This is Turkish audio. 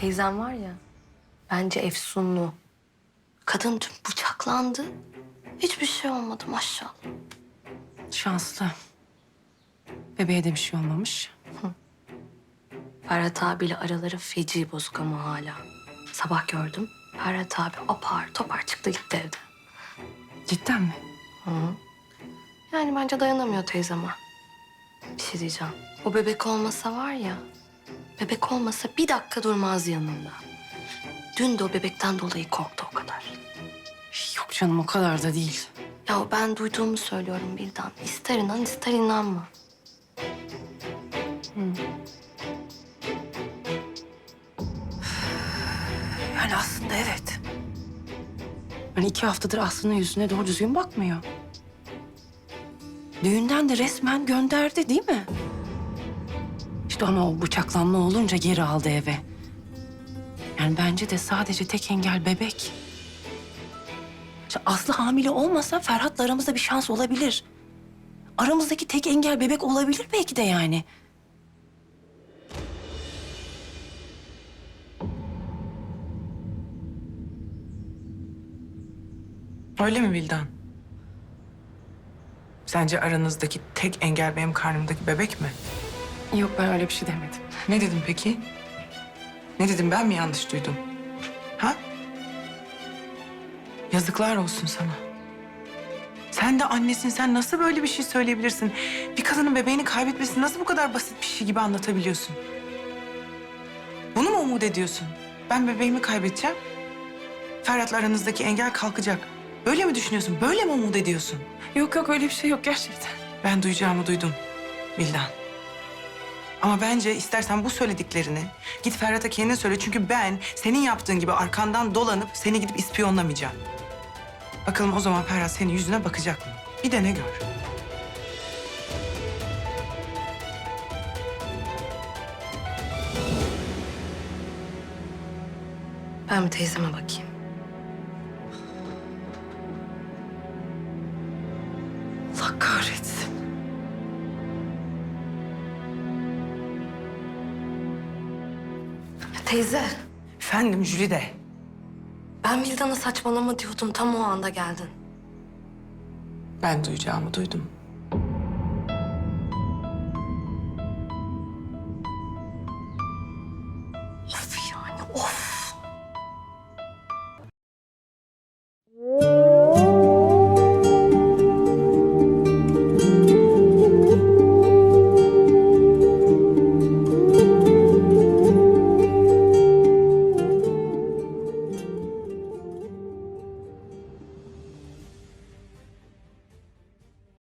teyzem var ya, bence efsunlu. Kadın dün bıçaklandı. Hiçbir şey olmadı maşallah. Şanslı. Bebeğe de bir şey olmamış. Ferhat abiyle araları feci bozuk ama hala. Sabah gördüm. Ferhat abi apar topar çıktı gitti evden. Cidden mi? Yani bence dayanamıyor teyzeme. Bir şey diyeceğim. O bebek olmasa var ya... Bebek olmasa bir dakika durmaz yanında. Dün de o bebekten dolayı korktu o kadar. Yok canım o kadar da değil. Ya ben duyduğumu söylüyorum Bildan. İster inan ister inanma. Yani aslında evet. Hani 2 haftadır Aslı'nın yüzüne doğru düzgün bakmıyor. Düğünden de resmen gönderdi değil mi? İşte ama o bıçaklanma olunca geri aldı eve. Yani bence de sadece tek engel bebek. İşte Aslı hamile olmasa Ferhat'la aramızda bir şans olabilir. Aramızdaki tek engel bebek olabilir belki de yani. Öyle mi Vildan? Sence aranızdaki tek engel benim karnımdaki bebek mi? Yok ben öyle bir şey demedim. Ne dedim peki? Ne dedim, ben mi yanlış duydum? Ha? Yazıklar olsun sana. Sen de annesin, sen nasıl böyle bir şey söyleyebilirsin? Bir kadının bebeğini kaybetmesini nasıl bu kadar basit bir şey gibi anlatabiliyorsun? Bunu mu umut ediyorsun? Ben bebeğimi kaybedeceğim. Ferhat'la aranızdaki engel kalkacak. Böyle mi düşünüyorsun? Böyle mi umut ediyorsun? Yok yok öyle bir şey yok gerçekten. Ben duyacağımı duydum Vildan. Ama bence istersen bu söylediklerini git Ferhat'a kendin söyle. Çünkü ben senin yaptığın gibi arkandan dolanıp seni gidip ispiyonlamayacağım. Bakalım o zaman Ferhat senin yüzüne bakacak mı? Bir de ne gör. Ben bir teyzeme bakayım. Allah kahretsin. Teyze, Efendim Jülide. ben Bildan'a saçmalama diyordum. Tam o anda geldin. Ben duyacağımı duydum. Of yani of.